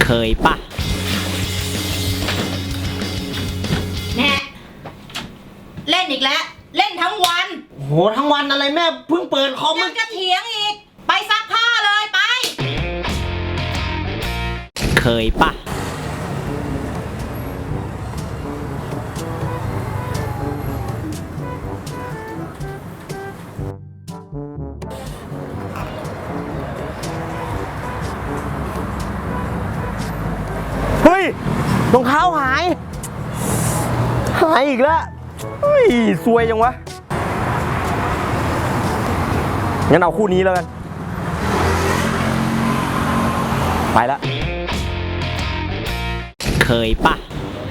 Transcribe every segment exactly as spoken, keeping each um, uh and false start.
เคยปะแน่เล่นอีกแล้วเล่นทั้งวันโหทั้งวันอะไรแม่เพิ่งเปิดคอมยังจะเถียงอีกไปซักผ้าเลยไปเคยปะเฮ้ยรองเท้าหายหายอีกแล้วเฮ้ยซวยจังวะงั้นเอาคู่นี้แล้วกันไปละเคยปะ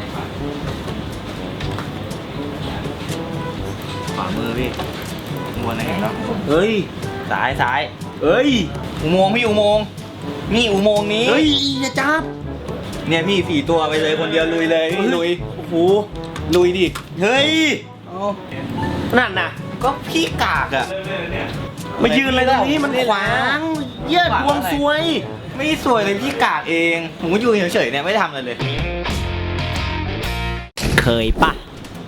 ขวามือพี่มัวไหนเห็นแล้วเฮ้ยสายสายเอ้ยอุโมงค์พี่อุโมงค์นี่อุโมงค์นี้เฮ้ยอย่าจับเนี่ยพี่สี่ตัวไปเลยคนเดียวลุยเลยพี่ลุยโอ้โหลุยดิเฮ้ยนั่นน่ะก็พี่กากอะมายืนอะไรตรงนี้มันขวางเยี่ยดวงซวยไม่สวยเลยพี่กากเองผมก็อยู่เฉยๆเนี่ยไม่ทำอะไรเลยเคยปะ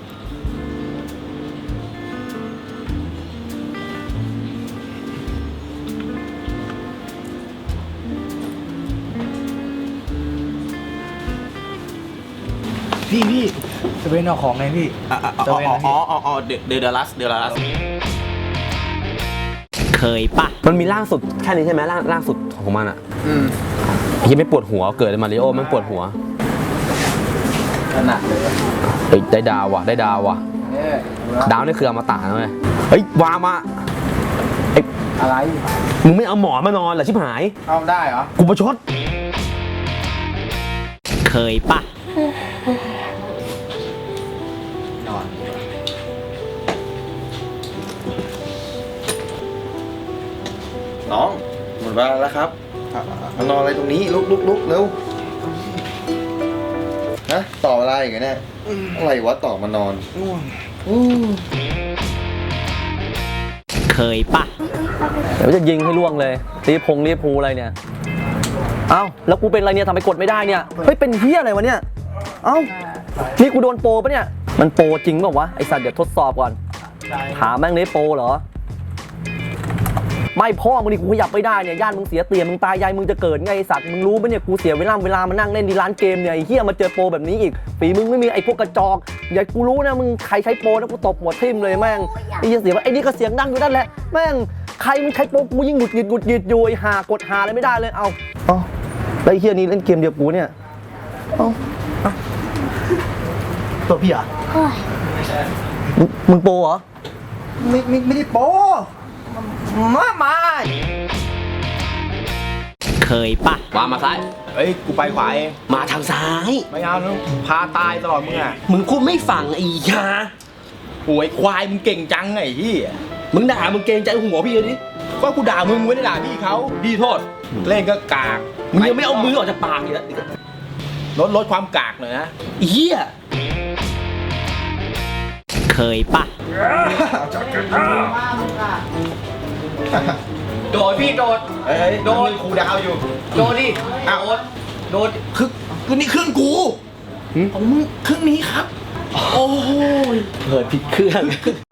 พี่พี่จะเป็นเอาของไงพี่อ๋ออ๋ออ๋ออ๋อเดเดลลัสเดลลัสเคยปะมันมีล่างสุดแค่นี้ใช่ไหมล่างล่างสุดของมันอ่ะอืมยังไม่ปวดหัวเกิดมาริโอมันปวดหัวขนาดเลยเฮ้ยได้ดาวว่ะได้ดาวว่ะดาวนี่คืออมตะนะเว้ยเฮ้ยวางมาไอ้อะไรมึงไม่เอาหมอนมานอนเหรอชิบหายเอาได้เหรอกูประชดเคยปะนอนน้องหมดเวลาแล้วครับมานอนอะไรตรงนี้ลุกลุกลุกเร็วฮะต่อเวลาอีกไงเนี่ยอะไรวะต่อมานอนง่วงเคยปะเดี๋ยวจะยิงให้ล่วงเลยรีพงรีพูอะไรเนี่ยเอ้าแล้วกูเป็นอะไรเนี่ยทำไมกดไม่ได้เนี่ยเฮ้ยเป็นเฮียอะไรวะเนี่ยเอ้านี่กูโดนโปรปะเนี่ยมันโปรจริงเปล่าวะไอสัตว์เดี๋ยวทดสอบก่อนถามแม่งนี่โปรเหรอไม่พ่อมึงดิกูขยับไม่ได้เนี่ยย่านมึงเสียเตียมึงตายยายมึงจะเกิดไงไอสัตว์มึงรู้ปะเนี่ยกูเสียเวลาเวลามานั่งเล่นที่ร้านเกมเนี่ยไอเฮียมาเจอโปรแบบนี้อีกฝีมึงไม่มีไอพวกกระจอกอย่ากูรู้นะมึงใครใช้โปรนะกูตบหัวทิ่มเลยแม่งไอ้เหี้ยเสียไอ้นี่ก็เสียงดังอยู่นั่นแหละแม่งใครมึงใช้โปรกูยิ่งหงุดหงิดหงุดหงิดอยู่ไอหากดหาอะไรไม่ได้เลยเอาเอาไอ้เฮียนี่เล่นเกมเดียวกูเนี่ยเอาตัวพี่อ่ะมึงโปรเหรอไม่ไม่ไม่ได้โปมามาเคยปะวางมาซ้ายเฮ้ยกูไปขวาเองมาทางซ้ายไม่เอาแล้วพาตายตลอดมึงอ่ะมึงพูดไม่ฟังไอ้ยาโอ้ยควายมึงเก่งจังไงพี่มึงด่ามึงเกรงใจหัวพี่เลยดิก็กูด่ามึงไม่ได้ด่าพี่เขาพี่โทษเล่นก็กากมึงยังไม่เอามือออกจากปากอีกแล้วลดลดความกากหน่อยนะเฮียเคยปะโดดพี่โดดเฮ้ยโดดครูดาวอยู่โดดดิอ้าวโดดคือคือนี่เครื่องกูของมึงเครื่องนี้ครับโอ้ยเปิดผิดเครื่อง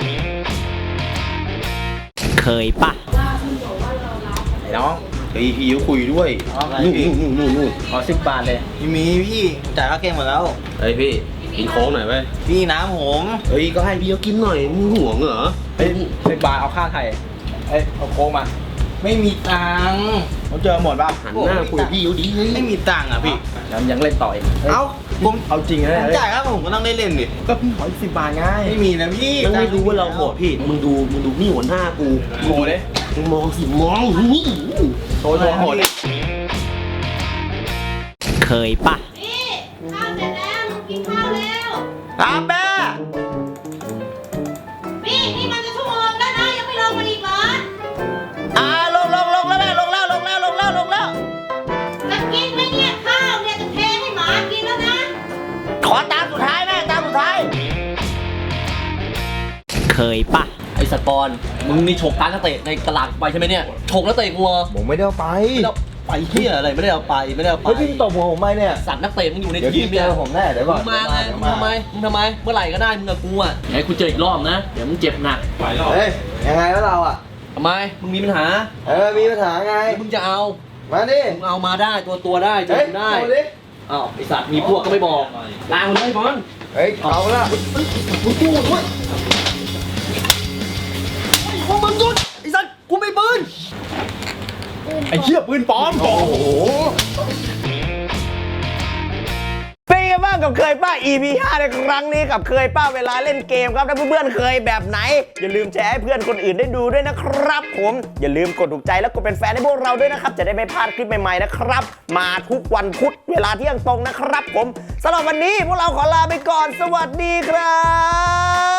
เคยปะไอ้น้องพี่พี่ยุคุยด้วยนู่นนู่นนู่นนู่นขอสิบบาทเลยพี่มีพี่จ่ายค่าเกมหมดแล้วเฮ้ยพี่กินโค้งหน่อยไหมพี่น้ำผมเฮ้ยก็ให้พี่เขากินหน่อยมึงห่วงเหรอเฮ้ยสิบบาทเอาค่าไถ่เอ้ยเอาโค้งมาไม่มีตังค์ผมเจอหมดป่ะหันหน้าคุยกับพี่อยู่ดีไม่มีตังค์อ่ะพี่ยังยังเล่นต่ออีกเอ้าผมเอาจริงนะจ่ายครับผมก็ต้องได้เล่นดิก็พี่ขอสิบบาทง่ายไม่มีนะพี่มึงไม่รู้ว่าเราโหดพี่มึงดูมึงดูนี่หัวหน้ากูโหดเลยมึงมองสิมองนี่โหดโหดเคยปะนี่ข้าวเสร็จแล้วมึงกินข้าวแล้วอาแม่พี่นี่มันจะชั่วโมงแล้วนะยังไม่ลงมาอีกเหรออ่าลงลงลงแล้วแม่ลงแล้วลงแล้วลงแล้วลงแล้วจะกินไหมเนี่ยข้าวเนี่ยจะเทให้หมากินแล้วนะขอตามสุดท้ายแม่ตามสุดท้ายเคยปะไอ้สปอนมึงนี่ฉกการนักเตะในตลาดไปใช่ไหมเนี่ยฉกนักเตะกูผมไม่ได้ไปแล้วไปเฮียอะไรไม่ได้เอาไปไม่ได้เอาไปเฮ้ยพี่ตบหัวผมไหมเนี่ยสัตว์นักเตะมึงอยู่ในเดี๋ยวทีพี่มเจเนี่ยอผมแน่เดี๋ยวก่อนมึงมาไงเดี๋ยวมึงทำไมมึงทำไมเมื่อไหร่ก็ได้มึงกับกูอ่ะไอ้กูเจออีกรอบนะเดี๋ยวมึงเจ็บหนักเฮ้ยยังไงวะเราอ่ะทำไมมึงมีปัญหาเออมีปัญหาไงแล้วมึงจะเอามาดิมึงเอามาได้ตัวตัวได้เจอเฮ้ยกูได้เอาดิอ้าวไอสัตว์มีพวกก็ไม่บอกลาคนเลยบอลเฮ้ยเอาละมึงกูด้วยพวกมึงหยุดไอสัตว์กูไม่ปืนไอ้เหี้ยปืนปลอมโอ้โหเป็นไงบ้างกับเคยป้า อี พี ห้าในครั้งนี้กับเคยป้าเวลาเล่นเกมครับถ้าเพื่อนๆเคยแบบไหนอย่าลืมแชร์ให้เพื่อนคนอื่นได้ดูด้วยนะครับผมอย่าลืมกดถูกใจแล้วกดเป็นแฟนให้พวกเราด้วยนะครับจะได้ไม่พลาดคลิปใหม่ๆนะครับมาทุกวันพุธเวลาเที่ยงตรงนะครับผมสำหรับวันนี้พวกเราขอลาไปก่อนสวัสดีครับ